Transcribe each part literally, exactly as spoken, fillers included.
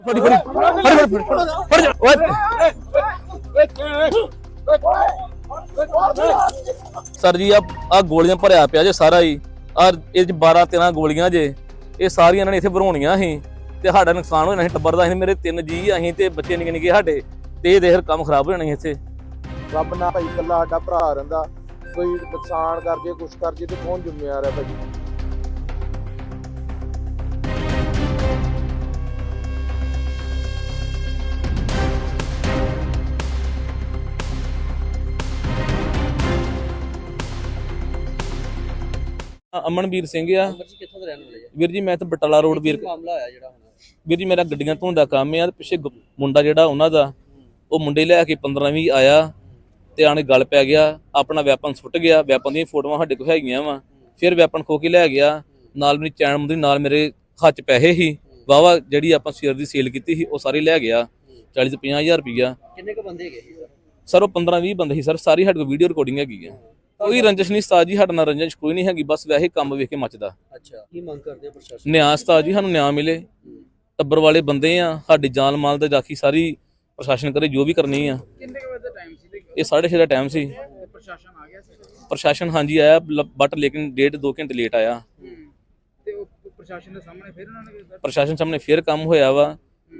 ਫੜੀ ਫੜੀ ਫੜੀ ਫੜੀ ਫੜ ਜਾ ਓਏ ਸਰ ਜੀ ਆ ਆ ਗੋਲੀਆਂ ਭਰਿਆ ਪਿਆ ਜੇ ਸਾਰਾ ਹੀ ਆ ਇਹ ਚ ਬਾਰਾਂ ਤੇਰਾਂ ਗੋਲੀਆਂ ਜੇ ਇਹ ਸਾਰੀਆਂ ਇਹਨਾਂ ਨੇ ਇੱਥੇ ਭਰਾਉਣੀਆਂ ਸੀ ਤੇ ਸਾਡਾ ਨੁਕਸਾਨ ਹੋ ਜਾਣਾ ਸੀ ਟੱਬਰ ਦਾ। ਅਸੀਂ ਮੇਰੇ ਤਿੰਨ ਜੀ ਅਸੀਂ ਤੇ ਬੱਚੇ ਨਿੱਕੇ ਨਿੱਕੇ ਸਾਡੇ ਤੇ ਇਹ ਦੇਖ ਕੰਮ ਖਰਾਬ ਹੋ ਜਾਣਾ ਸੀ ਇੱਥੇ। ਰੱਬ ਨਾ ਭਾਈ ਇਕੱਲਾ ਸਾਡਾ ਭਰਾ ਰਹਿੰਦਾ, ਕੋਈ ਨੁਕਸਾਨ ਕਰ ਜੇ ਕੁਛ ਕਰ ਜੇ ਤੇ ਕੌਣ ਜ਼ਿੰਮੇਵਾਰ ਹੈ ਭਾਜੀ। ਅਮਨਵੀਰ ਸਿੰਘ ਆ ਜੀ ਕਿੱਥੋਂ ਦੇ ਰਹਿਣ ਵਾਲੇ ਆ ਵੀਰ ਜੀ। ਮੈਂ ਤਾਂ ਬਟਾਲਾ ਰੋਡ ਵੀਰ ਮਾਮਲਾ ਹੋਇਆ ਜਿਹੜਾ ਹੁਣ ਵੀਰ ਜੀ ਮੇਰਾ ਗੱਡੀਆਂ ਧੋਣ ਦਾ ਕੰਮ ਆ। ਪਿੱਛੇ ਮੁੰਡਾ ਜਿਹੜਾ ਉਹਨਾਂ ਦਾ ਉਹ ਮੁੰਡੇ ਲੈ ਕੇ ਪੰਦਰਾਂ ਵੀਹ ਆਇਆ ਤੇ ਆਣੇ ਗੱਲ ਪੈ ਗਿਆ, ਆਪਣਾ ਵੈਪਨ ਸੁੱਟ ਗਿਆ। ਵੈਪਨ ਦੀਆਂ ਫੋਟੋਆਂ ਸਾਡੇ ਕੋਲ ਹੈਗੀਆਂ ਵਾ। ਫਿਰ ਵੈਪਨ ਖੋ ਕੇ ਲੈ ਗਿਆ, ਨਾਲ ਮੇਰੀ ਚੈਨ ਮੁੰਦਰੀ, ਨਾਲ ਮੇਰੇ ਹੱਥ 'ਚ ਪੈਸੇ ਸੀ ਵਾਵਾ ਜਿਹੜੀ ਆਪਾਂ ਸ਼ੇਅਰ ਦੀ ਸੇਲ ਕੀਤੀ ਸੀ ਉਹ ਸਾਰੀ ਲੈ ਗਿਆ, ਚਾਲੀ ਤੋਂ ਪੰਜਾਹ ਹਜ਼ਾਰ ਰੁਪਈਆ। ਕਿੰਨੇ ਕੁ ਬੰਦੇ ਹੈਗੇ ਸੀ ਸਰ ਉਹ ਪੰਦਰਾਂ ਵੀਹ ਬੰਦੇ ਸੀ ਸਰ। ਸਾਰੀ ਸਾਡੇ ਕੋਲ ਵੀਡੀਓ ਰਿਕਾਰਡਿੰਗ ਹੈਗੀ ਆ। ਕੋਈ ਰੰਜਿਸ਼ ਨਹੀਂ ਉਸਤਾਦ ਜੀ, ਸਾਡੇ ਨਾਲ ਰੰਜਿਸ਼ ਕੋਈ ਨਹੀਂ ਹੈਗੀ, ਬਸ ਵੈਸੇ ਕੰਮ ਵੇਖ ਕੇ ਮੱਚਦਾ। ਅੱਛਾ ਕੀ ਮੰਗ ਕਰਦੇ ਆ ਪ੍ਰਸ਼ਾਸਨ? ਨਿਆਂ ਉਸਤਾਦ ਜੀ, ਸਾਨੂੰ ਨਿਆਂ ਮਿਲੇ। ਟੱਬਰ ਵਾਲੇ ਬੰਦੇ ਆ, ਸਾਡੀ ਜਾਨ ਮਾਲ ਤੇ ਰਾਖੀ ਸਾਰੀ ਪ੍ਰਸ਼ਾਸਨ ਕਰੇ ਜੋ ਵੀ ਕਰਨੀ ਆ। ਕਿੰਨੇ ਕੁ ਵਜੇ ਦਾ ਟਾਈਮ ਸੀ? ਇਹ ਸਾਢੇ ਛੇ ਦਾ ਟਾਈਮ ਸੀ। ਪ੍ਰਸ਼ਾਸਨ ਆ ਗਿਆ ਸੀ? ਪ੍ਰਸ਼ਾਸਨ ਹਾਂਜੀ ਆਇਆ, ਬਟ ਲੇਕਿਨ ਡੇਢ ਦੋ ਘੰਟੇ ਲੇਟ ਆਇਆ। ਤੇ ਉਹ ਪ੍ਰਸ਼ਾਸਨ ਦੇ ਸਾਹਮਣੇ ਫਿਰ ਉਹਨਾਂ ਨੇ ਪ੍ਰਸ਼ਾਸਨ ਸਾਹਮਣੇ ਫਿਰ ਕੰਮ ਹੋਇਆ ਵਾ।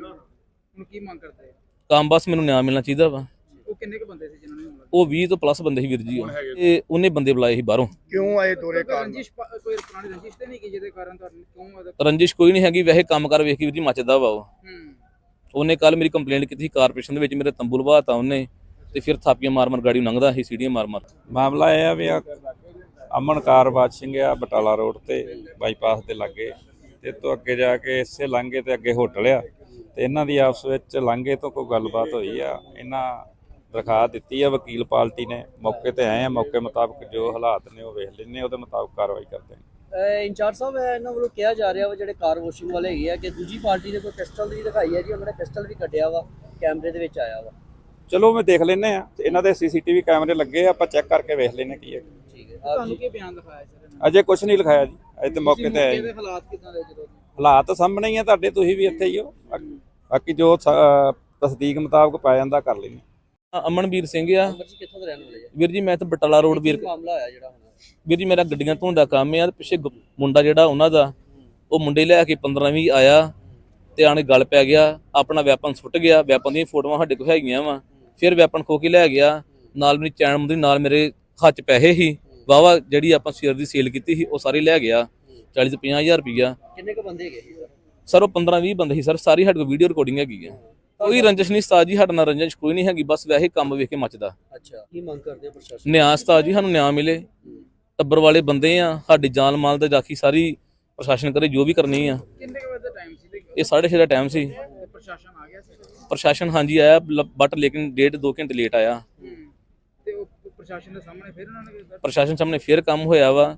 ਹੁਣ ਕੀ ਮੰਗ ਕਰਦੇ ਆ? ਕੰਮ ਬਸ ਮੈਨੂੰ ਨਿਆਂ ਮਿਲਣਾ ਚਾਹੀਦਾ ਵਾ। ਉਹ ਕਿੰਨੇ ਕੁ ਬੰਦੇ ਸੀ ਜਿਨ੍ਹਾਂ ਨੇ ਹਮਲਾ? ਉਹ ਵੀਹ ਤੋਂ ਪਲੱਸ ਬੰਦੇ ਸੀ ਵੀਰ ਜੀ। ਉਹ ਤੇ ਉਹਨੇ ਬੰਦੇ ਬੁਲਾਏ ਸੀ ਬਾਹਰੋਂ। ਕਿਉਂ ਆਏ ਦੋਰੇ ਕਾਰਨ? ਰੰਜਿਸ਼ ਕੋਈ ਪੁਰਾਣੀ ਰੰਜਿਸ਼ ਤੇ ਨਹੀਂ ਕਿ ਜਿਹਦੇ ਕਾਰਨ ਤੁਹਾਨੂੰ ਕਿਉਂ? ਰੰਜਿਸ਼ ਕੋਈ ਨਹੀਂ ਹੈਗੀ, ਵੈਸੇ ਕੰਮ ਕਰ ਵੇਖ ਕੇ ਵੀਰ ਜੀ ਮੱਚਦਾ ਵਾ। ਉਹ ਉਹਨੇ ਕੱਲ ਮੇਰੀ ਕੰਪਲੇਂਟ ਕੀਤੀ ਸੀ ਕਾਰਪੋਰੇਸ਼ਨ ਦੇ ਵਿੱਚ, ਮੇਰੇ ਤੰਬੂ ਲਵਾਤਾ ਉਹਨੇ ਤੇ ਫਿਰ ਥਾਪੀਆਂ ਮਾਰ ਮਾਰ ਗਾੜੀ ਲੰਘਦਾ ਸੀ, ਸੀੜੀਆਂ ਮਾਰ ਮਾਰ। ਮਾਮਲਾ ਇਹ ਆ ਵੀ ਆ ਅਮਨਕਾਰ ਬਾਦ ਸਿੰਘ ਆ ਬਟਾਲਾ ਰੋਡ ਤੇ ਬਾਈਪਾਸ ਦੇ ਲਾਗੇ, ਤੇ ਤੋਂ ਅੱਗੇ ਜਾ ਕੇ ਇਸੇ ਲਾਂਘੇ ਤੇ ਅੱਗੇ ਹੋਟਲ ਆ ਤੇ ਇਹਨਾਂ ਦੀ ਆਪਸ ਵਿੱਚ ਲਾਂਘੇ ਤੋਂ ਕੋਈ ਗੱਲਬਾਤ ਹੋਈ ਆ। ਇਹਨਾਂ ਦਰਖਾਸਤ ਦਿੱਤੀ ਆ ਵਕੀਲ ਪਾਰਟੀ ਨੇ, ਮੌਕੇ ਤੇ ਆਏ ਆ। ਮੌਕੇ ਮੁਤਾਬਕ ਜੋ ਹਾਲਾਤ ਨੇ ਉਹ ਵੇਖ ਲੈਣੇ, ਉਹਦੇ ਮੁਤਾਬਕ ਕਾਰਵਾਈ ਕਰਦੇ ਨੇ। ਇੰਚਾਰਜ ਸਾਹਿਬ ਇਹਨਾਂ ਵੱਲੋਂ ਕਿਹਾ ਜਾ ਰਿਹਾ ਵਾ ਜਿਹੜੇ ਕਾਰ ਵਾਸ਼ਿੰਗ ਵਾਲੇ ਹੈਗੇ ਆ ਕਿ ਦੂਜੀ ਪਾਰਟੀ ਨੇ ਕੋਈ ਪਿਸਟਲ ਵੀ ਦਿਖਾਈ ਹੈ ਜੀ, ਉਹਨਾਂ ਨੇ ਪਿਸਟਲ ਵੀ ਕੱਢਿਆ ਵਾ, ਕੈਮਰੇ ਦੇ ਵਿੱਚ ਆਇਆ ਵਾ। ਚਲੋ ਮੈਂ ਦੇਖ ਲੈਣੇ ਆ, ਇਹਨਾਂ ਦੇ ਸੀਸੀਟੀਵੀ ਕੈਮਰੇ ਲੱਗੇ ਆ, ਆਪਾਂ ਚੈੱਕ ਕਰਕੇ ਵੇਖ ਲੈਣੇ ਕੀ ਹੈ। ਠੀਕ ਹੈ, ਤੁਹਾਨੂੰ ਕੀ ਬਿਆਨ ਦਿਖਾਇਆ ਸਰ? ਅਜੇ ਕੁਝ ਨਹੀਂ ਲਿਖਾਇਆ ਜੀ, ਅਜੇ ਤੇ ਮੌਕੇ ਤੇ ਆਏ। ਇਹਦੇ ਹਾਲਾਤ ਕਿਦਾਂ ਦੇ ਜਦੋਂ? ਹਾਲਾਤ ਸਾਹਮਣੇ ਹੀ ਆ ਤੁਹਾਡੇ, ਤੁਸੀਂ ਵੀ ਇੱਥੇ ਹੀ ਹੋ। ਬਾਕੀ ਜੋ ਤਸਦੀਕ ਮੁਤਾਬਕ ਪਾਇਆ ਜਾਂਦਾ ਕਰ ਲੈਣੇ। ਅਮਨਵੀਰ ਸਿੰਘ ਆ ਜੀ ਕਿੱਥੋਂ ਦੇ ਰਹਿਣ ਵਾਲੇ ਆ ਵੀਰ ਜੀ। ਮੈਂ ਤਾਂ ਬਟਾਲਾ ਰੋਡ ਵੀਰ ਮਾਮਲਾ ਹੋਇਆ ਜਿਹੜਾ ਹੁਣ ਵੀਰ ਜੀ ਮੇਰਾ ਗੱਡੀਆਂ ਧੋਣ ਦਾ ਕੰਮ ਆ। ਪਿੱਛੇ ਮੁੰਡਾ ਜਿਹੜਾ ਉਹਨਾਂ ਦਾ ਉਹ ਮੁੰਡੇ ਲੈ ਕੇ ਪੰਦਰਾਂ ਵੀਹ ਆਇਆ ਤੇ ਆਣੇ ਗੱਲ ਪੈ ਗਿਆ, ਆਪਣਾ ਵੈਪਨ ਸੁੱਟ ਗਿਆ। ਵੈਪਨ ਦੀਆਂ ਫੋਟੋਆਂ ਸਾਡੇ ਕੋਲ ਹੈਗੀਆਂ ਵਾ। ਫਿਰ ਵੈਪਨ ਖੋ ਕੇ ਲੈ ਗਿਆ, ਨਾਲ ਮੇਰੀ ਚੈਨ ਮੁੰਦਰੀ, ਨਾਲ ਮੇਰੇ ਹੱਥ 'ਚ ਪੈਸੇ ਸੀ ਵਾਵਾ ਜਿਹੜੀ ਆਪਾਂ ਸ਼ੇਅਰ ਦੀ ਸੇਲ ਕੀਤੀ ਸੀ ਉਹ ਸਾਰੀ ਲੈ ਗਿਆ, ਚਾਲੀ ਤੋਂ ਪੰਜਾਹ ਹਜ਼ਾਰ ਰੁਪਈਆ। ਕਿੰਨੇ ਕੁ ਬੰਦੇ ਹੈਗੇ ਸੀ ਸਰ ਉਹ ਪੰਦਰਾਂ ਵੀਹ ਬੰਦੇ ਸੀ ਸਰ। ਸਾਰੀ ਸਾਡੇ ਕੋਲ ਵੀਡੀਓ ਰਿਕਾਰਡਿੰਗ ਹੈਗੀ ਆ। ਕੋਈ ਰੰਜਿਸ਼ ਨਹੀਂ ਉਸਤਾਦ ਜੀ, ਸਾਡੇ ਨਾਲ ਰੰਜਿਸ਼ ਕੋਈ ਨਹੀਂ ਹੈਗੀ, ਬਸ ਵੈਸੇ ਕੰਮ ਵੇਖ ਕੇ ਮੱਚਦਾ। ਅੱਛਾ ਕੀ ਮੰਗ ਕਰਦੇ ਆ ਪ੍ਰਸ਼ਾਸਨ? ਨਿਆਂ ਉਸਤਾਦ ਜੀ, ਸਾਨੂੰ ਨਿਆਂ ਮਿਲੇ। ਟੱਬਰ ਵਾਲੇ ਬੰਦੇ ਆ, ਸਾਡੀ ਜਾਨ ਮਾਲ ਤੇ ਰਾਖੀ ਸਾਰੀ ਪ੍ਰਸ਼ਾਸਨ ਕਰੇ ਜੋ ਵੀ ਕਰਨੀ ਆ। ਕਿੰਨੇ ਕੁ ਵਜੇ ਦਾ ਟਾਈਮ ਸੀ? ਇਹ ਸਾਢੇ ਛੇ ਦਾ ਟਾਈਮ ਸੀ। ਪ੍ਰਸ਼ਾਸਨ ਆ ਗਿਆ ਸੀ? ਪ੍ਰਸ਼ਾਸਨ ਹਾਂਜੀ ਆਇਆ, ਬਟ ਲੇਕਿਨ ਡੇਢ ਦੋ ਘੰਟੇ ਲੇਟ ਆਇਆ। ਤੇ ਉਹ ਪ੍ਰਸ਼ਾਸਨ ਦੇ ਸਾਹਮਣੇ ਫਿਰ ਉਹਨਾਂ ਨੇ ਪ੍ਰਸ਼ਾਸਨ ਸਾਹਮਣੇ ਫਿਰ ਕੰਮ ਹੋਇਆ ਵਾ।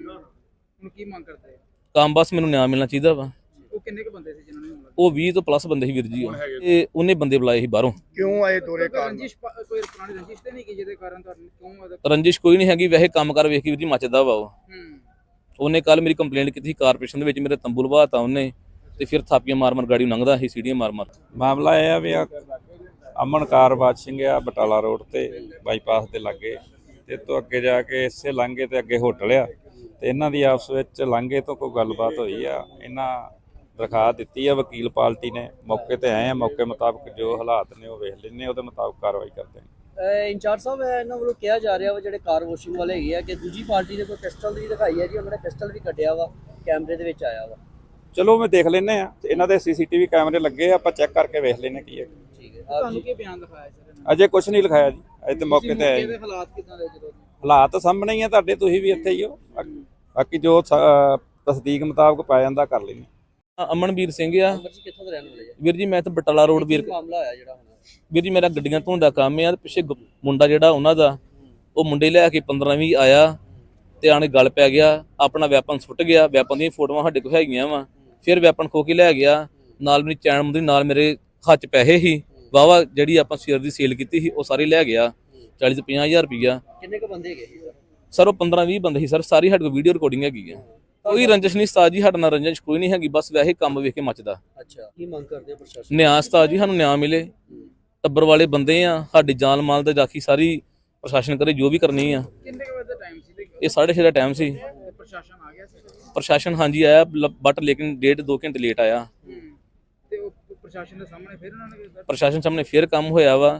ਹੁਣ ਕੀ ਮੰਗ ਕਰਦੇ ਆ? ਕੰਮ ਬਸ ਮੈਨੂੰ ਨਿਆਂ ਮਿਲਣਾ ਚਾਹੀਦਾ ਵਾ। ਉਹ ਕਿੰਨੇ ਕੁ ਬੰਦੇ ਸੀ ਜਿਨ੍ਹਾਂ ਨੇ ਹਮਲਾ? ਉਹ ਵੀਹ ਤੋਂ ਪਲੱਸ ਬੰਦੇ ਸੀ ਵੀਰ ਜੀ। ਉਹ ਤੇ ਉਹਨੇ ਬੰਦੇ ਬੁਲਾਏ ਸੀ ਬਾਹਰੋਂ। ਕਿਉਂ ਆਏ ਦੋਰੇ ਕਾਰਨ? ਰੰਜਿਸ਼ ਕੋਈ ਪੁਰਾਣੀ ਰੰਜਿਸ਼ ਤੇ ਨਹੀਂ ਕਿ ਜਿਹਦੇ ਕਾਰਨ ਤੁਹਾਨੂੰ ਕਿਉਂ? ਰੰਜਿਸ਼ ਕੋਈ ਨਹੀਂ ਹੈਗੀ, ਵੈਸੇ ਕੰਮ ਕਰ ਵੇਖ ਕੇ ਵੀਰ ਜੀ ਮੱਚਦਾ ਵਾ। ਉਹ ਉਹਨੇ ਕੱਲ ਮੇਰੀ ਕੰਪਲੇਂਟ ਕੀਤੀ ਸੀ ਕਾਰਪੋਰੇਸ਼ਨ ਦੇ ਵਿੱਚ, ਮੇਰੇ ਤੰਬੂ ਲਵਾਤਾ ਉਹਨੇ ਤੇ ਫਿਰ ਥਾਪੀਆਂ ਮਾਰ ਮਾਰ ਗਾੜੀ ਲੰਘਦਾ ਸੀ, ਸੀੜੀਆਂ ਮਾਰ ਮਾਰ। ਮਾਮਲਾ ਇਹ ਆ ਵੀ ਆ ਅਮਨਕਾਰ ਬਾਦ ਸਿੰਘ ਆ ਬਟਾਲਾ ਰੋਡ ਤੇ ਬਾਈਪਾਸ ਦੇ ਲਾਗੇ, ਤੇ ਤੋਂ ਅੱਗੇ ਜਾ ਕੇ ਇਸੇ ਲਾਂਘੇ ਤੇ ਅੱਗੇ ਹੋਟਲ ਆ ਤੇ ਇਹਨਾਂ ਦੀ ਆਪਸ ਵਿੱਚ ਲਾਂਘੇ ਤੋਂ ਕੋਈ ਗੱਲਬਾਤ ਹੋਈ ਆ। ਇਹਨਾਂ ਦਰਖਾਸਤ ਦਿੱਤੀ ਆ ਵਕੀਲ ਪਾਰਟੀ ਨੇ, ਮੌਕੇ ਤੇ ਆਏ ਆ। ਮੌਕੇ ਮੁਤਾਬਕ ਜੋ ਹਾਲਾਤ ਨੇ ਉਹ ਵੇਖ ਲੈਣੇ, ਉਹਦੇ ਮੁਤਾਬਕ ਕਾਰਵਾਈ ਕਰਦੇ ਨੇ। ਇੰਚਾਰਜ ਸਾਹਿਬ ਇਹਨਾਂ ਵੱਲੋਂ ਕਿਹਾ ਜਾ ਰਿਹਾ ਵਾ ਜਿਹੜੇ ਕਾਰ ਵਾਸ਼ਿੰਗ ਵਾਲੇ ਹੈਗੇ ਆ ਕਿ ਦੂਜੀ ਪਾਰਟੀ ਨੇ ਕੋਈ ਪਿਸਟਲ ਵੀ ਦਿਖਾਈ ਹੈ ਜੀ, ਉਹਨਾਂ ਨੇ ਪਿਸਟਲ ਵੀ ਕੱਢਿਆ ਵਾ, ਕੈਮਰੇ ਦੇ ਵਿੱਚ ਆਇਆ ਵਾ। ਚਲੋ ਮੈਂ ਦੇਖ ਲੈਣੇ ਆ, ਇਹਨਾਂ ਦੇ ਸੀਸੀਟੀਵੀ ਕੈਮਰੇ ਲੱਗੇ ਆ, ਆਪਾਂ ਚੈੱਕ ਕਰਕੇ ਵੇਖ ਲੈਣੇ ਕੀ ਹੈ। ਠੀਕ ਹੈ, ਤੁਹਾਨੂੰ ਕੀ ਬਿਆਨ ਦਿਖਾਇਆ ਸਰ? ਅਜੇ ਕੁਝ ਨਹੀਂ ਲਿਖਾਇਆ ਜੀ, ਅਜੇ ਤੇ ਮੌਕੇ ਤੇ ਆਏ। ਇਹਦੇ ਹਾਲਾਤ ਕਿਦਾਂ ਦੇ ਜਦੋਂ? ਹਾਲਾਤ ਸਾਹਮਣੇ ਹੀ ਆ ਤੁਹਾਡੇ, ਤੁਸੀਂ ਵੀ ਇੱਥੇ ਹੀ ਹੋ। ਬਾਕੀ ਜੋ ਤਸਦੀਕ ਮੁਤਾਬਕ ਪਾਇਆ ਜਾਂਦਾ ਕਰ ਲੈਣੇ। ਅਮਨਵੀਰ ਸਿੰਘ ਆ ਜੀ ਕਿੱਥੋਂ ਦੇ ਰਹਿਣ ਵਾਲੇ ਆ ਵੀਰ ਜੀ। ਮੈਂ ਤਾਂ ਬਟਾਲਾ ਰੋਡ ਵੀਰ ਮਾਮਲਾ ਹੋਇਆ ਜਿਹੜਾ ਹੁਣ ਵੀਰ ਜੀ ਮੇਰਾ ਗੱਡੀਆਂ ਧੋਣ ਦਾ ਕੰਮ ਆ। ਪਿੱਛੇ ਮੁੰਡਾ ਜਿਹੜਾ ਉਹਨਾਂ ਦਾ ਉਹ ਮੁੰਡੇ ਲੈ ਕੇ ਪੰਦਰਾਂ ਵੀਹ ਆਇਆ ਤੇ ਆਣੇ ਗੱਲ ਪੈ ਗਿਆ, ਆਪਣਾ ਵੈਪਨ ਸੁੱਟ ਗਿਆ। ਵੈਪਨ ਦੀਆਂ ਫੋਟੋਆਂ ਸਾਡੇ ਕੋਲ ਹੈਗੀਆਂ ਵਾ। ਫਿਰ ਵੈਪਨ ਖੋ ਕੇ ਲੈ ਗਿਆ, ਨਾਲ ਮੇਰੀ ਚੈਨ ਮੁੰਦਰੀ, ਨਾਲ ਮੇਰੇ ਹੱਥ 'ਚ ਪੈਸੇ ਸੀ ਵਾਵਾ ਜਿਹੜੀ ਆਪਾਂ ਸ਼ੇਅਰ ਦੀ ਸੇਲ ਕੀਤੀ ਸੀ ਉਹ ਸਾਰੀ ਲੈ ਗਿਆ, ਚਾਲੀ ਤੋਂ ਪੰਜਾਹ ਹਜ਼ਾਰ ਰੁਪਈਆ। ਕਿੰਨੇ ਕੁ ਬੰਦੇ ਹੈਗੇ ਸੀ ਸਰ ਉਹ ਪੰਦਰਾਂ ਵੀਹ ਬੰਦੇ ਸੀ ਸਰ। ਸਾਰੀ ਸਾਡੇ ਕੋਲ ਵੀਡੀਓ ਰਿਕਾਰਡਿੰਗ ਹੈਗੀ ਆ। ਕੋਈ ਰੰਜਿਸ਼ ਨਹੀਂ ਉਸਤਾਦ ਜੀ, ਸਾਡੇ ਨਾਲ ਰੰਜਿਸ਼ ਕੋਈ ਨਹੀਂ ਹੈਗੀ, ਬਸ ਵੈਸੇ ਕੰਮ ਵੇਖ ਕੇ ਮੱਚਦਾ। ਅੱਛਾ, ਕੀ ਮੰਗ ਕਰਦੇ ਆ ਪ੍ਰਸ਼ਾਸਨ? ਨਿਆਂ ਉਸਤਾਦ ਜੀ, ਸਾਨੂੰ ਨਿਆਂ ਮਿਲੇ। ਟੱਬਰ ਵਾਲੇ ਬੰਦੇ ਆ, ਸਾਡੀ ਜਾਨ ਮਾਲ ਤੇ ਰਾਖੀ ਸਾਰੀ ਪ੍ਰਸ਼ਾਸਨ ਕਰੇ ਜੋ ਵੀ ਕਰਨੀ ਆ। ਕਿੰਨੇ ਕੁ ਵਜੇ ਦਾ ਟਾਈਮ ਸੀ ਤੇ ਇਹ ਸਾਢੇ ਛੇ ਦਾ ਟਾਈਮ ਸੀ। ਪ੍ਰਸ਼ਾਸਨ ਆ ਗਿਆ ਸੀ? ਪ੍ਰਸ਼ਾਸਨ ਹਾਂਜੀ ਆਇਆ, ਬਟ ਲੇਕਿਨ ਡੇਢ ਦੋ ਘੰਟੇ ਲੇਟ ਆਇਆ। ਤੇ ਉਹ ਪ੍ਰਸ਼ਾਸਨ ਦੇ ਸਾਹਮਣੇ ਫਿਰ ਉਹਨਾਂ ਨੇ ਪ੍ਰਸ਼ਾਸਨ ਸਾਹਮਣੇ ਫੇਰ ਕੰਮ ਹੋਇਆ ਵਾ।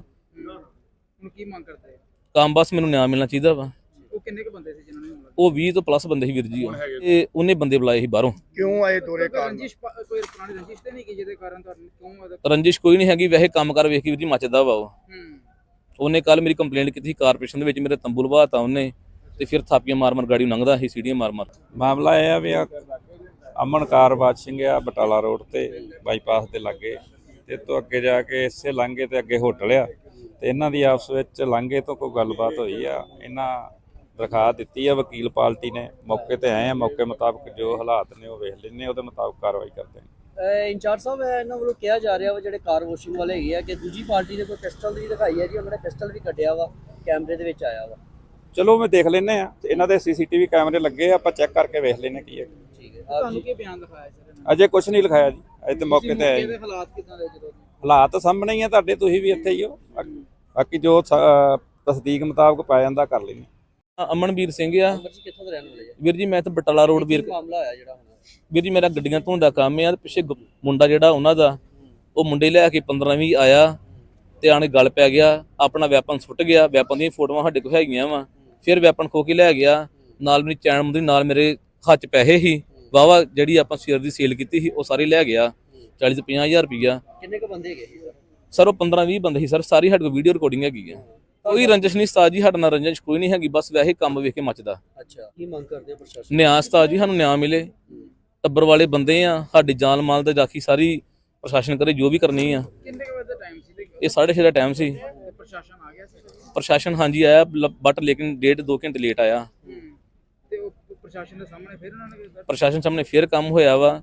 ਹੁਣ ਕੀ ਮੰਗ ਕਰਦੇ ਆ? ਕੰਮ ਬਸ ਮੈਨੂੰ ਨਿਆਂ ਮਿਲਣਾ ਚਾਹੀਦਾ ਵਾ। ਉਹ ਕਿੰਨੇ ਕੁ ਬੰਦੇ ਸੀ ਜਿਨ੍ਹਾਂ ਨੇ ਹਮਲਾ ਉਹ ਵੀਹ ਤੋਂ ਪਲੱਸ ਬੰਦੇ ਸੀ ਵੀਰ ਜੀ। ਉਹ ਇਹ ਉਹਨੇ ਬੰਦੇ ਬੁਲਾਏ ਸੀ ਬਾਹਰੋਂ। ਕਿਉਂ ਆਏ ਦੋਰੇ ਕਾਰਨ? ਰੰਜਿਸ਼ ਪਾ- ਕੋਈ ਪੁਰਾਣੀ ਰੰਜਿਸ਼ ਤੇ ਨਹੀਂ ਕਿ ਜਿਹਦੇ ਕਾਰਨ ਤੁਹਾਨੂੰ ਕਿਉਂ ਉਹਦਾ- ਰੰਜਿਸ਼ ਕੋਈ ਨਹੀਂ ਹੈਗੀ, ਵੈਸੇ ਕੰਮ ਕਰ ਵੇਖ ਕੇ ਵੀਰ ਜੀ ਮੱਚਦਾ ਵਾ। ਉਹ ਹੂੰ ਉਹਨੇ ਕੱਲ ਮੇਰੀ ਕੰਪਲੇਂਟ ਕੀਤੀ ਸੀ ਕਾਰਪੋਰੇਸ਼ਨ ਦੇ ਵਿੱਚ, ਮੇਰੇ ਤੰਬੂ ਲਵਾਤਾ ਉਹਨੇ, ਤੇ ਫਿਰ ਥਾਪੀਆਂ ਮਾਰ ਮਾਰ ਗਾੜੀ ਨੂੰ ਲੰਘਦਾ ਸੀ, ਸੀੜੀਆਂ ਮਾਰ ਮਾਰ। ਮਾਮਲਾ ਇਹ ਆ ਵੀ ਆ ਅਮਨਕਾਰ ਬਾਦ ਸਿੰਘ ਆ ਬਟਾਲਾ ਰੋਡ ਤੇ ਬਾਈਪਾਸ ਦੇ ਲਾਗੇ, ਤੇ ਤੋਂ ਅੱਗੇ ਜਾ ਕੇ ਇਸੇ ਲਾਂਘੇ ਤੇ ਅੱਗੇ ਹੋਟਲ ਆ, ਤੇ ਇਹਨਾਂ ਦੀ ਆਪਸ ਵਿੱਚ ਲਾਂਘੇ ਤੋਂ ਕੋਈ ਗੱਲਬਾਤ ਹੋਈ ਆ। ਇਹਨਾਂ ਦਰਖਾਸਤ ਦਿੱਤੀ ਆ ਵਕੀਲ ਪਾਰਟੀ ਨੇ, ਮੌਕੇ ਤੇ ਆਏ ਆ, ਮੌਕੇ ਮੁਤਾਬਕ ਜੋ ਹਾਲਾਤ ਨੇ ਉਹ ਵੇਖ ਲੈਣੇ, ਉਹਦੇ ਮੁਤਾਬਕ ਕਾਰਵਾਈ ਕਰਦੇ ਨੇ। ਇੰਚਾਰਜ ਸਾਹਿਬ, ਇਹਨਾਂ ਵੱਲੋਂ ਕਿਹਾ ਜਾ ਰਿਹਾ ਵਾ ਜਿਹੜੇ ਕਾਰ ਵਾਸ਼ਿੰਗ ਵਾਲੇ ਹੈਗੇ ਆ ਕਿ ਦੂਜੀ ਪਾਰਟੀ ਨੇ ਕੋਈ ਪਿਸਟਲ ਵੀ ਦਿਖਾਈ ਹੈ ਜੀ, ਉਹਨਾਂ ਨੇ ਪਿਸਟਲ ਵੀ ਕੱਢਿਆ ਵਾ, ਕੈਮਰੇ ਦੇ ਵਿੱਚ ਆਇਆ ਵਾ। ਚਲੋ ਮੈਂ ਦੇਖ ਲੈਨੇ ਆ, ਇਹਨਾਂ ਦੇ ਸੀਸੀਟੀਵੀ ਕੈਮਰੇ ਲੱਗੇ ਆ, ਆਪਾਂ ਚੈੱਕ ਕਰਕੇ ਵੇਖ ਲੈਨੇ ਕੀ ਹੈ। ਠੀਕ ਹੈ, ਆਪ ਤੁਹਾਨੂੰ ਜੀ ਕੀ ਬਿਆਨ ਦਿਖਾਇਆ ਸਰ? ਅਜੇ ਕੁਝ ਨਹੀਂ ਲਿਖਾਇਆ ਜੀ, ਅਜੇ ਤੇ ਮੌਕੇ ਤੇ ਆਏ। ਇਹਦੇ ਹਾਲਾਤ ਕਿਦਾਂ ਦੇ ਜਦੋਂ? ਹਾਲਾਤ ਸਾਹਮਣੇ ਹੀ ਆ ਤੁਹਾਡੇ, ਤੁਸੀਂ ਵੀ ਇੱਥੇ ਹੀ ਹੋ। ਬਾਕੀ ਜੋ ਸ- ਤਸਦੀਕ ਮੁਤਾਬਕ ਪਾਇਆ ਜਾਂਦਾ ਕਰ ਲੈਂਦੇ। ਅਮਨਵੀਰ ਸਿੰਘ ਆ ਅਮਰ ਜੀ, ਕਿੱਥੋਂ ਦੇ ਰਹਿਣ ਵਾਲੇ ਆ? ਵੀਰ ਜੀ। ਮੈਂ ਤਾਂ ਬਟਾਲਾ ਰੋਡ ਵੀਰ ਕੀ ਮਾਮਲਾ ਹੋਇਆ ਜਿਹੜਾ ਹੁਣ? ਵੀਰ ਜੀ, ਮੇਰਾ ਗੱਡੀਆਂ ਧੋਣ ਦਾ ਕੰਮ ਆ। ਪਿੱਛੇ ਗ- ਮੁੰਡਾ ਜਿਹੜਾ ਉਹਨਾਂ ਦਾ, ਉਹ ਮੁੰਡੇ ਲੈ ਕੇ ਪੰਦਰਾਂ ਵੀਹ ਆਇਆ ਤੇ ਆਣੇ ਗੱਲ ਪੈ ਗਿਆ, ਆਪਣਾ ਵੈਪਨ ਸੁੱਟ ਗਿਆ। ਵੈਪਨ ਦੀਆਂ ਫੋਟੋਆਂ ਸਾਡੇ ਕੋਲ ਹੈਗੀਆਂ ਵਾ। ਫਿਰ ਵੈਪਨ ਖੋ ਕੇ ਲੈ ਗਿਆ, ਨਾਲ ਮੇਰੀ ਚੈਨ ਮੁੰਦਰੀ, ਨਾਲ ਮੇਰੇ ਹੱਥ 'ਚ ਪੈਸੇ ਸੀ ਵਾਵਾ, ਜਿਹੜੀ ਆਪਾਂ ਸ਼ੇਅਰ ਦੀ ਸੇਲ ਕੀਤੀ ਸੀ, ਉਹ ਸਾਰੀ ਲੈ ਗਿਆ, ਚਾਲੀ ਤੋਂ ਪੰਜਾਹ ਹਜ਼ਾਰ ਰੁਪਈਆ। ਕਿੰਨੇ ਕੁ ਬੰਦੇ ਹੈਗੇ ਸੀ ਸਰ? ਸਰ ਉਹ ਪੰਦਰਾਂ ਵੀਹ ਬੰਦੇ ਸੀ ਸਰ, ਸਾਰੀ ਸਾਡੇ ਕੋਲ ਵੀਡੀਓ ਰਿਕਾਰਡਿੰਗ ਹੈਗੀ ਆ। ਕੋਈ ਰੰਜਿਸ਼ ਨਹੀਂ ਉਸਤਾਦ ਜੀ, ਸਾਡੇ ਨਾਲ ਰੰਜਿਸ਼ ਕੋਈ ਨਹੀਂ ਹੈਗੀ, ਬਸ ਵੈਸੇ ਕੰਮ ਵੇਖ ਕੇ ਮੱਚਦਾ। ਅੱਛਾ, ਕੀ ਮੰਗ ਕਰਦੇ ਆ ਪ੍ਰਸ਼ਾਸਨ? ਨਿਆਂ ਉਸਤਾਦ ਜੀ, ਸਾਨੂੰ ਨਿਆਂ ਮਿਲੇ। ਟੱਬਰ ਵਾਲੇ ਬੰਦੇ ਆ, ਸਾਡੀ ਜਾਨ ਮਾਲ ਤੇ ਰਾਖੀ ਸਾਰੀ ਪ੍ਰਸ਼ਾਸਨ ਕਰੇ ਜੋ ਵੀ ਕਰਨੀ ਆ। ਕਿੰਨੇ ਕੁ ਵਜੇ ਦਾ ਟਾਈਮ ਸੀ ਤੇ ਇਹ ਸਾਢੇ ਛੇ ਦਾ ਟਾਈਮ ਸੀ। ਪ੍ਰਸ਼ਾਸਨ ਆ ਗਿਆ ਸੀ? ਪ੍ਰਸ਼ਾਸਨ ਹਾਂਜੀ ਆਇਆ, ਬਟ ਲੇਕਿਨ ਡੇਢ ਦੋ ਘੰਟੇ ਲੇਟ ਆਇਆ। ਹੂੰ ਤੇ ਉਹ ਪ੍ਰਸ਼ਾਸਨ ਦੇ ਸਾਹਮਣੇ ਫਿਰ ਉਹਨਾਂ ਨੇ ਪ੍ਰਸ਼ਾਸਨ ਸਾਹਮਣੇ ਫੇਰ ਕੰਮ ਹੋਇਆ ਵਾ।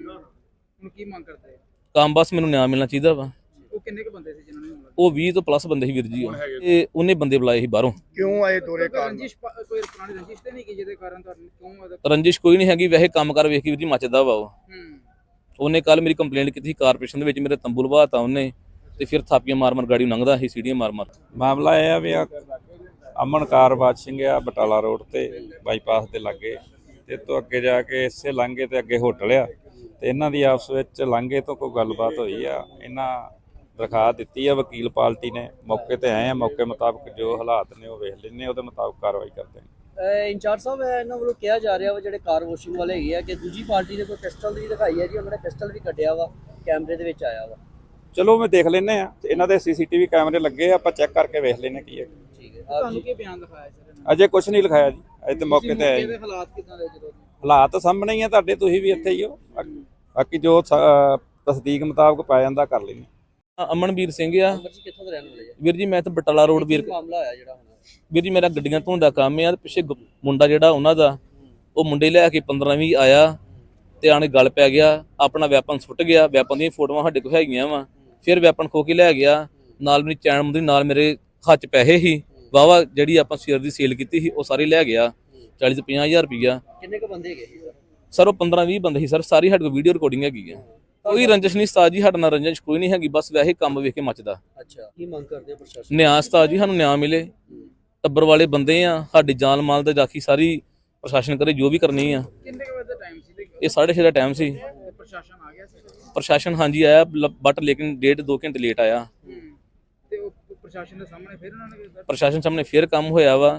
ਹੁਣ ਕੀ ਮੰਗ ਕਰਦੇ ਆ? ਕੰਮ ਬਸ ਮੈਨੂੰ ਨਿਆਂ ਮਿਲਣਾ ਚਾਹੀਦਾ ਵਾ। ਉਹ ਕਿੰਨੇ ਕੁ ਬੰਦੇ ਸੀ ਜਿਨ੍ਹਾਂ ਨੇ ਹਮਲਾ? ਉਹ ਵੀਹ ਤੋਂ ਪਲੱਸ ਬੰਦੇ ਸੀ ਵੀਰ ਜੀ। ਉਹ ਇਹ ਉਹਨੇ ਬੰਦੇ ਬੁਲਾਏ ਸੀ ਬਾਹਰੋਂ। ਕਿਉਂ ਆਏ ਦੋਰੇ ਕਾਰਨ? ਰੰਜਿਸ਼ ਪਾ- ਕੋਈ ਪੁਰਾਣੀ ਰੰਜਿਸ਼ ਤੇ ਨਹੀਂ ਕਿ ਜਿਹਦੇ ਕਾਰਨ ਤੁਹਾਨੂੰ ਕਿਉਂ ਉਹਦਾ- ਰੰਜਿਸ਼ ਕੋਈ ਨਹੀਂ ਹੈਗੀ, ਵੈਸੇ ਕੰਮ ਕਰ ਵੇਖ ਕੇ ਵੀਰ ਜੀ ਮੱਚਦਾ ਵਾ। ਉਹ ਹੂੰ ਉਹਨੇ ਕੱਲ ਮੇਰੀ ਕੰਪਲੇਂਟ ਕੀਤੀ ਸੀ ਕਾਰਪੋਰੇਸ਼ਨ ਦੇ ਵਿੱਚ, ਮੇਰੇ ਤੰਬੂ ਲਵਾਤਾ ਉਹਨੇ, ਤੇ ਫਿਰ ਥਾਪੀਆਂ ਮਾਰ ਮਾਰ ਗਾੜੀ ਨੂੰ ਲੰਘਦਾ ਸੀ, ਸੀੜੀਆਂ ਮਾਰ ਮਾਰ। ਮਾਮਲਾ ਇਹ ਆ ਵੀ ਆ ਅਮਨਕਾਰ ਬਾਦ ਸਿੰਘ ਆ ਬਟਾਲਾ ਰੋਡ ਤੇ ਬਾਈਪਾਸ ਦੇ ਲਾਗੇ, ਤੇ ਤੋਂ ਅੱਗੇ ਜਾ ਕੇ ਇਸੇ ਲਾਂਘੇ ਤੇ ਅੱਗੇ ਹੋਟਲ ਆ, ਤੇ ਇਹਨਾਂ ਦੀ ਆਪਸ ਵਿੱਚ ਲਾਂਘੇ ਤੋਂ ਕੋਈ ਗੱਲਬਾਤ ਹੋਈ ਆ। ਇਹਨਾਂ ਦਰਖਾਸਤ ਦਿੱਤੀ ਆ ਵਕੀਲ ਪਾਰਟੀ ਨੇ, ਮੌਕੇ ਤੇ ਆਏ ਆ, ਮੌਕੇ ਮੁਤਾਬਕ ਜੋ ਹਾਲਾਤ ਨੇ ਉਹ ਵੇਖ ਲੈਣੇ, ਉਹਦੇ ਮੁਤਾਬਕ ਕਾਰਵਾਈ ਕਰਦੇ ਨੇ। ਇੰਚਾਰਜ ਸਾਹਿਬ, ਇਹਨਾਂ ਵੱਲੋਂ ਕਿਹਾ ਜਾ ਰਿਹਾ ਵਾ ਜਿਹੜੇ ਕਾਰ ਵਾਸ਼ਿੰਗ ਵਾਲੇ ਹੈਗੇ ਆ ਕਿ ਦੂਜੀ ਪਾਰਟੀ ਨੇ ਕੋਈ ਪਿਸਟਲ ਵੀ ਦਿਖਾਈ ਹੈ ਜੀ, ਉਹਨਾਂ ਨੇ ਪਿਸਟਲ ਵੀ ਕੱਢਿਆ ਵਾ, ਕੈਮਰੇ ਦੇ ਵਿੱਚ ਆਇਆ ਵਾ। ਚਲੋ ਮੈਂ ਦੇਖ ਲੈਨੇ ਆ, ਇਹਨਾਂ ਦੇ ਸੀਸੀਟੀਵੀ ਕੈਮਰੇ ਲੱਗੇ ਆ, ਆਪਾਂ ਚੈੱਕ ਕਰਕੇ ਵੇਖ ਲੈਨੇ ਕੀ ਹੈ। ਠੀਕ ਹੈ, ਆਪ ਤੁਹਾਨੂੰ ਜੀ ਕੀ ਬਿਆਨ ਦਿਖਾਇਆ ਸਰ? ਅਜੇ ਕੁਝ ਨਹੀਂ ਲਿਖਾਇਆ ਜੀ, ਅਜੇ ਤੇ ਮੌਕੇ ਤੇ ਆਏ। ਇਹਦੇ ਹਾਲਾਤ ਕਿਦਾਂ ਦੇ ਜਦੋਂ? ਹਾਲਾਤ ਸਾਹਮਣੇ ਹੀ ਆ ਤੁਹਾਡੇ, ਤੁਸੀਂ ਵੀ ਇੱਥੇ ਹੀ ਹੋ। ਬਾਕੀ ਜੋ ਸ- ਤਸਦੀਕ ਮੁਤਾਬਕ ਪਾਇਆ ਜਾਂਦਾ ਕਰ ਲੈਂਦੇ। ਅਮਨਵੀਰ ਸਿੰਘ ਆ ਅਮਰ ਜੀ, ਕਿੱਥੋਂ ਦੇ ਰਹਿਣ ਵਾਲੇ ਆ? ਵੀਰ ਜੀ। ਮੈਂ ਤਾਂ ਬਟਾਲਾ ਰੋਡ ਵੀਰ ਕੀ ਮਾਮਲਾ ਹੋਇਆ ਜਿਹੜਾ ਹੁਣ? ਵੀਰ ਜੀ, ਮੇਰਾ ਗੱਡੀਆਂ ਧੋਣ ਦਾ ਕੰਮ ਆ। ਪਿੱਛੇ ਗ- ਮੁੰਡਾ ਜਿਹੜਾ ਉਹਨਾਂ ਦਾ, ਉਹ ਮੁੰਡੇ ਲੈ ਕੇ ਪੰਦਰਾਂ ਵੀਹ ਆਇਆ ਤੇ ਆਣੇ ਗੱਲ ਪੈ ਗਿਆ, ਆਪਣਾ ਵੈਪਨ ਸੁੱਟ ਗਿਆ। ਵੈਪਨ ਦੀਆਂ ਫੋਟੋਆਂ ਸਾਡੇ ਕੋਲ ਹੈਗੀਆਂ ਵਾ। ਫਿਰ ਵੈਪਨ ਖੋ ਕੇ ਲੈ ਗਿਆ, ਨਾਲ ਮੇਰੀ ਚੈਨ ਮੁੰਦਰੀ, ਨਾਲ ਮੇਰੇ ਹੱਥ 'ਚ ਪੈਸੇ ਸੀ ਵਾਵਾ, ਜਿਹੜੀ ਆਪਾਂ ਸ਼ੇਅਰ ਦੀ ਸੇਲ ਕੀਤੀ ਸੀ, ਉਹ ਸਾਰੀ ਲੈ ਗਿਆ, ਚਾਲੀ ਤੋਂ ਪੰਜਾਹ ਹਜ਼ਾਰ ਰੁਪਈਆ। ਕਿੰਨੇ ਕੁ ਬੰਦੇ ਹੈਗੇ ਸੀ ਸਰ? ਸਰ ਉਹ ਪੰਦਰਾਂ ਵੀਹ ਬੰਦੇ ਸੀ ਸਰ, ਸਾਰੀ ਸਾਡੇ ਕੋਲ ਵੀਡੀਓ ਰਿਕਾਰਡਿੰਗ ਹੈਗੀ ਆ। ਕੋਈ ਰੰਜਿਸ਼ ਨਹੀਂ ਉਸਤਾਦ ਜੀ, ਸਾਡੇ ਨਾਲ ਰੰਜਿਸ਼ ਕੋਈ ਨਹੀਂ ਹੈਗੀ, ਬਸ ਵੈਸੇ ਕੰਮ ਵੇਖ ਕੇ ਮੱਚਦਾ। ਅੱਛਾ, ਕੀ ਮੰਗ ਕਰਦੇ ਆ ਪ੍ਰਸ਼ਾਸਨ? ਨਿਆਂ ਉਸਤਾਦ ਜੀ, ਸਾਨੂੰ ਨਿਆਂ ਮਿਲੇ। ਟੱਬਰ ਵਾਲੇ ਬੰਦੇ ਆ, ਸਾਡੀ ਜਾਨ ਮਾਲ ਤੇ ਰਾਖੀ ਸਾਰੀ ਪ੍ਰਸ਼ਾਸਨ ਕਰੇ ਜੋ ਵੀ ਕਰਨੀ ਆ। ਕਿੰਨੇ ਕੁ ਵਜੇ ਦਾ ਟਾਈਮ ਸੀ ਤੇ ਇਹ ਸਾਢੇ ਛੇ ਦਾ ਟਾਈਮ ਸੀ। ਪ੍ਰਸ਼ਾਸਨ ਆ ਗਿਆ ਸੀ? ਪ੍ਰਸ਼ਾਸਨ ਹਾਂਜੀ ਆਇਆ, ਬਟ ਲੇਕਿਨ ਡੇਢ ਦੋ ਘੰਟੇ ਲੇਟ ਆਇਆ। ਹੂੰ ਤੇ ਉਹ ਪ੍ਰਸ਼ਾਸਨ ਦੇ ਸਾਹਮਣੇ ਫਿਰ ਉਹਨਾਂ ਨੇ ਪ੍ਰਸ਼ਾਸਨ ਸਾਹਮਣੇ ਫੇਰ ਕੰਮ ਹੋਇਆ ਵਾ।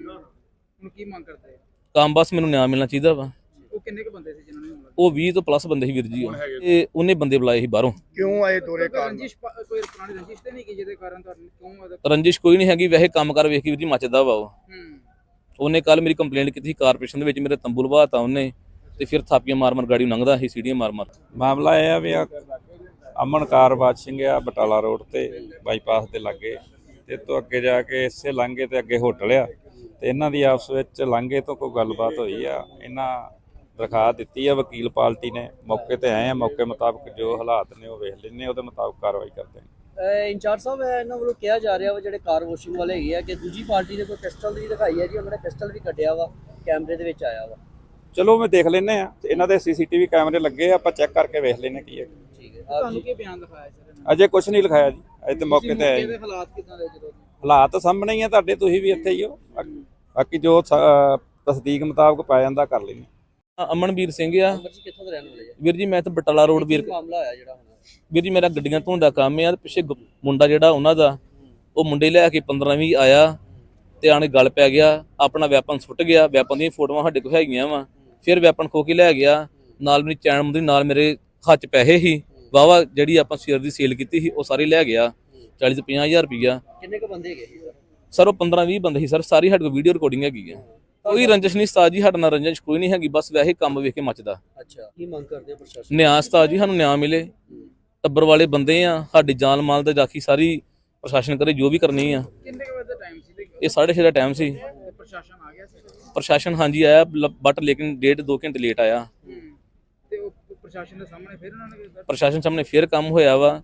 ਹੁਣ ਕੀ ਮੰਗ ਕਰਦੇ ਆ? ਕੰਮ ਬਸ ਮੈਨੂੰ ਨਿਆਂ ਮਿਲਣਾ ਚਾਹੀਦਾ ਵਾ। ਉਹ ਕਿੰਨੇ ਕੁ ਬੰਦੇ ਸੀ ਜਿਨ੍ਹਾਂ ਨੇ ਹਮਲਾ? ਉਹ ਵੀਹ ਤੋਂ ਪਲੱਸ ਬੰਦੇ ਸੀ ਵੀਰ ਜੀ। ਉਹ ਇਹ ਉਹਨੇ ਬੰਦੇ ਬੁਲਾਏ ਸੀ ਬਾਹਰੋਂ। ਕਿਉਂ ਆਏ ਦੋਰੇ ਕਾਰਨ? ਰੰਜਿਸ਼ ਪਾ- ਕੋਈ ਪੁਰਾਣੀ ਰੰਜਿਸ਼ ਤੇ ਨਹੀਂ ਕਿ ਜਿਹਦੇ ਕਾਰਨ ਤੁਹਾਨੂੰ ਕਿਉਂ ਉਹਦਾ- ਰੰਜਿਸ਼ ਕੋਈ ਨਹੀਂ ਹੈਗੀ, ਵੈਸੇ ਕੰਮ ਕਰ ਵੇਖ ਕੇ ਵੀਰ ਜੀ ਮੱਚਦਾ ਵਾ। ਉਹ ਹੂੰ ਉਹਨੇ ਕੱਲ ਮੇਰੀ ਕੰਪਲੇਂਟ ਕੀਤੀ ਸੀ ਕਾਰਪੋਰੇਸ਼ਨ ਦੇ ਵਿੱਚ, ਮੇਰੇ ਤੰਬੂ ਲਵਾਤਾ ਉਹਨੇ, ਤੇ ਫਿਰ ਥਾਪੀਆਂ ਮਾਰ ਮਾਰ ਗਾੜੀ ਨੂੰ ਲੰਘਦਾ ਸੀ, ਸੀੜੀਆਂ ਮਾਰ ਮਾਰ। ਮਾਮਲਾ ਇਹ ਆ ਵੀ ਆ ਅਮਨਕਾਰ ਬਾਦ ਸਿੰਘ ਆ ਬਟਾਲਾ ਰੋਡ ਤੇ ਬਾਈਪਾਸ ਦੇ ਲਾਗੇ, ਤੇ ਤੋਂ ਅੱਗੇ ਜਾ ਕੇ ਇਸੇ ਲਾਂਘੇ ਤੇ ਅੱਗੇ ਹੋਟਲ ਆ, ਤੇ ਇਹਨਾਂ ਦੀ ਆਪਸ ਵਿੱਚ ਲਾਂਘੇ ਤੋਂ ਕੋਈ ਗੱਲਬਾਤ ਹੋਈ ਆ। ਇਹਨਾਂ ਦਰਖਾਸਤ ਦਿੱਤੀ ਆ ਵਕੀਲ ਪਾਰਟੀ ਨੇ, ਮੌਕੇ ਤੇ ਆਏ ਆ, ਮੌਕੇ ਮੁਤਾਬਕ ਜੋ ਹਾਲਾਤ ਨੇ ਉਹ ਵੇਖ ਲੈਣੇ, ਉਹਦੇ ਮੁਤਾਬਕ ਕਾਰਵਾਈ ਕਰਦੇ ਨੇ। ਇੰਚਾਰਜ ਸਾਹਿਬ, ਇਹਨਾਂ ਵੱਲੋਂ ਕਿਹਾ ਜਾ ਰਿਹਾ ਵਾ ਜਿਹੜੇ ਕਾਰ ਵਾਸ਼ਿੰਗ ਵਾਲੇ ਹੈਗੇ ਆ ਕਿ ਦੂਜੀ ਪਾਰਟੀ ਨੇ ਕੋਈ ਪਿਸਟਲ ਵੀ ਦਿਖਾਈ ਹੈ ਜੀ, ਉਹਨਾਂ ਨੇ ਪਿਸਟਲ ਵੀ ਕੱਢਿਆ ਵਾ, ਕੈਮਰੇ ਦੇ ਵਿੱਚ ਆਇਆ ਵਾ। ਚਲੋ ਮੈਂ ਦੇਖ ਲੈਨੇ ਆ ਇਹਨਾਂ ਦੇ ਸੀਸੀਟੀਵੀ ਕੈਮਰੇ ਲੱਗੇ ਆ, ਆਪਾਂ ਚੈੱਕ ਕਰਕੇ ਵੇਖ ਲੈਨੇ ਕੀ ਹੈ। ਠੀਕ ਹੈ ਆਪ ਤੁਹਾਨੂੰ ਜੀ ਕੀ ਬਿਆਨ ਦਿਖਾਇਆ ਸਰ ਅਜੇ ਕੁਝ ਨਹੀਂ ਲਿਖਾਇਆ ਜੀ, ਅਜੇ ਤੇ ਮੌਕੇ ਤੇ ਆਏ ਦੇ ਜੀ। ਹਾਲਾਤ ਕਿਦਾਂ ਦੇ ਜਦੋਂ ਹਾਲਾਤ ਸਾਹਮਣੇ ਹੀ ਆ ਤੁਹਾਡੇ, ਤੁਸੀਂ ਵੀ ਇੱਥੇ ਹੀ ਹੋ। ਬਾਕੀ- ਬਾਕੀ ਜੋ ਸ- ਅਹ ਤਸਦੀਕ ਮੁਤਾਬਕ ਪਾਇਆ ਜਾਂਦਾ ਕਰ ਲੈਂਦੇ। ਅਮਨਵੀਰ ਸਿੰਘ ਆ ਅਮਰ ਜੀ ਕਿੱਥੋਂ ਦੇ ਰਹਿਣ ਵਾਲੇ ਆ? ਵੀਰ ਜੀ। ਮੈਂ ਤਾਂ ਬਟਾਲਾ ਰੋਡ ਵੀਰ ਕੀ ਮਾਮਲਾ ਹੋਇਆ ਜਿਹੜਾ ਹੁਣ? ਵੀਰ ਜੀ ਮੇਰਾ ਗੱਡੀਆਂ ਧੋਣ ਦਾ ਕੰਮ ਆ ਤੇ ਪਿੱਛੇ ਗੁ- ਮੁੰਡਾ ਜਿਹੜਾ ਉਹਨਾਂ ਦਾ ਉਹ ਮੁੰਡੇ ਲੈ ਕੇ ਪੰਦਰਾਂ ਵੀਹ ਆਇਆ ਤੇ ਆਣੇ ਗੱਲ ਪੈ ਗਿਆ, ਆਪਣਾ ਵੈਪਨ ਸੁੱਟ ਗਿਆ। ਵੈਪਨ ਦੀਆਂ ਫੋਟੋਆਂ ਸਾਡੇ ਕੋਲ ਹੈਗੀਆਂ ਵਾ। ਫਿਰ ਵੈਪਨ ਖੋ ਕੇ ਲੈ ਗਿਆ, ਨਾਲ ਮੇਰੀ ਚੈਨ ਮੁੰਦਰੀ, ਨਾਲ ਮੇਰੇ ਹੱਥ 'ਚ ਪੈਸੇ ਸੀ ਵਾਵਾ, ਜਿਹੜੀ ਆਪਾਂ ਸ਼ੇਅਰ ਦੀ ਸੇਲ ਕੀਤੀ ਸੀ ਉਹ ਸਾਰੀ ਲੈ ਗਿਆ, ਚਾਲੀ ਤੋਂ ਪੰਜਾਹ ਹਜ਼ਾਰ ਰੁਪਈਆ। ਕਿੰਨੇ ਕੁ ਬੰਦੇ ਹੈਗੇ ਸੀ ਸਰ? ਸਰ ਉਹ ਪੰਦਰਾਂ ਵੀਹ ਬੰਦੇ ਸੀ ਸਰ, ਸਾਰੀ ਸਾਡੇ ਕੋਲ ਵੀਡੀਓ ਰਿਕਾਰਡਿੰਗ ਹੈਗੀ ਆ। ਕੋਈ ਰੰਜਿਸ਼ ਨਹੀਂ ਉਸਤਾਦ ਜੀ, ਸਾਡੇ ਨਾਲ ਰੰਜਿਸ਼ ਕੋਈ ਨਹੀਂ ਹੈਗੀ, ਬਸ ਵੈਸੇ ਕੰਮ ਵੇਖ ਕੇ ਮੱਚਦਾ। ਅੱਛਾ ਕੀ ਮੰਗ ਕਰਦੇ ਆ ਪ੍ਰਸ਼ਾਸਨ? ਨਿਆਂ ਉਸਤਾਦ ਜੀ, ਸਾਨੂੰ ਨਿਆਂ ਮਿਲੇ। ਟੱਬਰ ਵਾਲੇ ਬੰਦੇ ਆ, ਸਾਡੀ ਜਾਨ ਮਾਲ ਦੀ ਰਾਖੀ ਸਾਰੀ ਪ੍ਰਸ਼ਾਸਨ ਕਰੇ, ਜੋ ਵੀ ਕਰਨੀ ਆ। ਕਿੰਨੇ ਕੁ ਵਜੇ ਦਾ ਟਾਈਮ ਸੀ ਤੇ ਇਹ ਸਾਢੇ ਛੇ ਦਾ ਟਾਈਮ ਸੀ। ਪ੍ਰਸ਼ਾਸਨ ਆ ਗਿਆ ਸੀ? ਪ੍ਰਸ਼ਾਸਨ ਹਾਂਜੀ ਆਇਆ, ਬਟ ਲੇਕਿਨ ਡੇਢ ਦੋ ਘੰਟੇ ਲੇਟ ਆਇਆ। ਹੂੰ ਤੇ ਉਹ ਪ੍ਰਸ਼ਾਸਨ ਦੇ ਸਾਹਮਣੇ ਫਿਰ ਉਹਨਾਂ ਨੇ ਪ੍ਰਸ਼ਾਸਨ ਸਾਹਮਣੇ ਫੇਰ ਕੰਮ ਹੋਇਆ ਵਾ।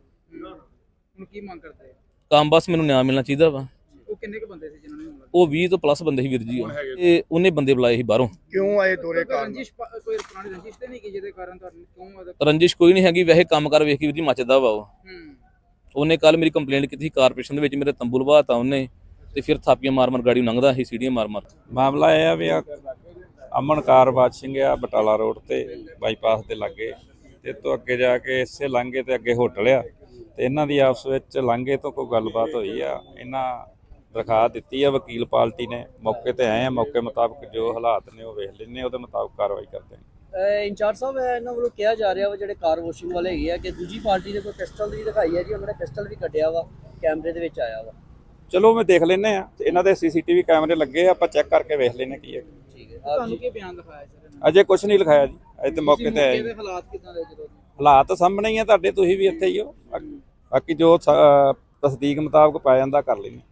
ਹੁਣ ਕੀ ਮੰਗ ਕਰਦੇ ਆ? ਕੰਮ ਬਸ ਮੈਨੂੰ ਨਿਆਂ ਮਿਲਣਾ ਚਾਹੀਦਾ ਵਾ। ਉਹ ਕਿੰਨੇ ਕੁ ਬੰਦੇ ਸੀ ਜਿਨ੍ਹਾਂ ਨੇ ਹਮਲਾ ਉਹ ਵੀਹ ਤੋਂ ਪਲੱਸ ਬੰਦੇ ਸੀ ਵੀਰ ਜੀ ਉਹ। ਤੇ ਉਹਨੇ ਬੰਦੇ ਬੁਲਾਏ ਸੀ ਬਾਹਰੋਂ। ਕਿਉਂ ਆਏ ਦੋਰੇ ਕੀਤਾ? ਕੋਈ ਰੰਜਿਸ਼ ਪਾ- ਕੋਈ ਪੁਰਾਣੀ ਰੰਜਿਸ਼ ਤੇ ਨਹੀਂ ਕਿ ਜਿਹਦੇ ਕਾਰਨ ਤੁਹਾਨੂੰ ਕਿਉਂ ਉਹਦਾ ਰੰਜਿਸ਼ ਕੋਈ ਨਹੀਂ ਹੈਗੀ, ਵੈਸੇ ਕੰਮ ਕਰ ਵੇਖ ਕੇ ਵੀਰ ਜੀ ਮੱਚਦਾ ਵਾ ਉਹ। ਹੂੰ ਉਹਨੇ ਕੱਲ ਮੇਰੀ ਕੰਪਲੇਂਟ ਕੀਤੀ ਸੀ ਕਾਰਪੋਰੇਸ਼ਨ ਦੇ ਵਿੱਚ, ਮੇਰੇ ਤੰਬੂ ਲਵਾਤਾ ਉਹਨੇ ਤੇ ਫਿਰ ਥਾਪੀਆਂ ਮਾਰ ਮਾਰ ਗਾੜੀ ਲੰਘਦਾ ਸੀ, ਸੀੜੀਆਂ ਮਾਰ ਮਾਰ। ਮਾਮਲਾ ਇਹ ਆ ਵੀ ਆ ਅਮਨ ਕਾਰਵਾਜ ਸਿੰਘ ਆ ਬਟਾਲਾ ਰੋਡ ਤੇ ਬਾਈਪਾਸ ਦੇ ਲਾਗੇ, ਤੇ ਤੋਂ ਅੱਗੇ ਜਾ ਕੇ ਇਸੇ ਲਾਂਘੇ ਤੇ ਅੱਗੇ ਹੋਟਲ ਆ, ਤੇ ਇਹਨਾਂ ਦੀ ਆਪਸ ਵਿੱਚ ਲਾਂਘੇ ਤੋਂ ਕੋਈ ਗੱਲਬਾਤ ਹੋਈ ਆ। ਇਹਨਾਂ ਦਰਖਾਸਤ ਦਿੱਤੀ ਆ ਵਕੀਲ ਪਾਰਟੀ ਨੇ, ਮੌਕੇ ਤੇ ਆਏ ਆ, ਮੌਕੇ ਮੁਤਾਬਕ ਜੋ ਹਾਲਾਤ ਨੇ ਉਹ ਵੇਖ ਲੈਣੇ, ਉਹਦੇ ਮੁਤਾਬਕ ਕਾਰਵਾਈ ਕਰਦੇ ਨੇ। ਅਹ ਇੰਚਾਰਜ ਸਾਹਿਬ ਇਹ ਇਹਨਾਂ ਵੱਲੋਂ ਕਿਹਾ ਜਾ ਰਿਹਾ ਵਾ ਜਿਹੜੇ ਕਾਰ ਵਾਸ਼ਿੰਗ ਵਾਲੇ ਹੈਗੇ ਆ ਕਿ ਦੂਜੀ ਪਾਰਟੀ ਨੇ ਕੋਈ ਪਿਸਟਲ ਵੀ ਦਿਖਾਈ ਹੈ ਜੀ, ਉਹਨਾਂ ਨੇ ਪਿਸਟਲ ਵੀ ਕੱਢਿਆ ਵਾ, ਕੈਮਰੇ ਦੇ ਵਿੱਚ ਆਇਆ ਵਾ। ਚਲੋ ਮੈਂ ਦੇਖ ਲੈਨੇ ਆ ਇਹਨਾਂ ਦੇ ਸੀਸੀਟੀਵੀ ਕੈਮਰੇ ਲੱਗੇ ਆ, ਆਪਾਂ ਚੈੱਕ ਕਰਕੇ ਵੇਖ ਲੈਨੇ ਕੀ ਹੈ। ਠੀਕ ਹੈ ਆਪ ਤੁਹਾਨੂੰ ਜੀ ਕੀ ਬਿਆਨ ਦਿਖਾਇਆ ਸਰ ਅਜੇ ਕੁਝ ਨਹੀਂ ਲਿਖਾਇਆ ਜੀ, ਅਜੇ ਤੇ ਮੌਕੇ ਤੇ ਆਏ ਜੀ। ਦੇ ਹਾਲਾਤ ਕਿਦਾਂ ਦੇ ਜਦੋਂ ਹਾਲਾਤ ਸਾਹਮਣੇ ਹੀ ਆ ਤੁਹਾਡੇ, ਤੁਸੀਂ ਵੀ ਇੱਥੇ ਹੀ ਹੋ। ਬਾਕੀ ਜੋ ਸ- ਅਹ ਤਸਦੀਕ ਮੁਤਾਬਕ ਪਾਇਆ ਜਾਂਦਾ ਕਰ ਲੈਂਦੇ।